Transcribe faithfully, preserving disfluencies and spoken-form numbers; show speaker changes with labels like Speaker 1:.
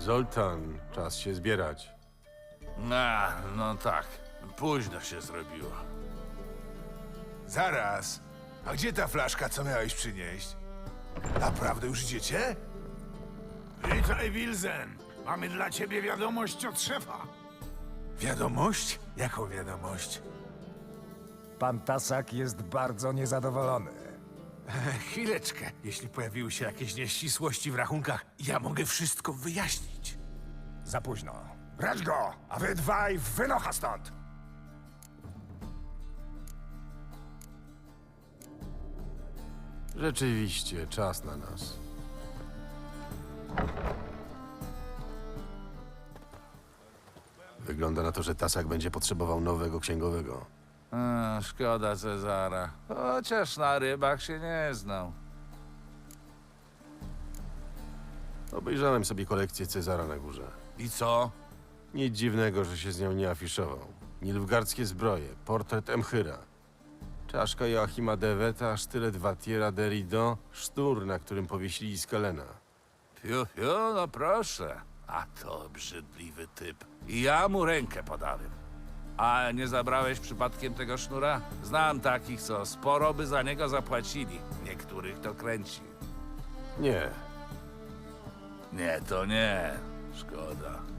Speaker 1: Zoltan, czas się zbierać.
Speaker 2: A, no tak. Późno się zrobiło.
Speaker 3: Zaraz. A gdzie ta flaszka, co miałeś przynieść? Naprawdę już idziecie?
Speaker 4: Witaj, Wilzen. Mamy dla ciebie wiadomość od szefa.
Speaker 3: Wiadomość? Jaką wiadomość?
Speaker 5: Pan Tasak jest bardzo niezadowolony.
Speaker 3: Chwileczkę. Jeśli pojawiły się jakieś nieścisłości w rachunkach, ja mogę wszystko wyjaśnić.
Speaker 5: Za późno. Brać go, a wy dwaj wynocha stąd!
Speaker 1: Rzeczywiście, czas na nas. Wygląda na to, że Tasak będzie potrzebował nowego księgowego.
Speaker 2: A, szkoda Cezara. Chociaż na rybach się nie znał.
Speaker 1: Obejrzałem sobie kolekcję Cezara na górze.
Speaker 2: I co?
Speaker 1: Nic dziwnego, że się z nią nie afiszował. Nilfgaardzkie zbroje, portret Emchyra, czaszka Joachima Deweta, sztylet Watiera Derido, sztur, na którym powiesili Skalena.
Speaker 2: Fiu, fiu, no proszę. A to obrzydliwy typ. I ja mu rękę podałem. A nie zabrałeś przypadkiem tego sznura? Znam takich, co sporo by za niego zapłacili. Niektórych to kręci.
Speaker 1: Nie,
Speaker 2: Nie, to nie. Szkoda.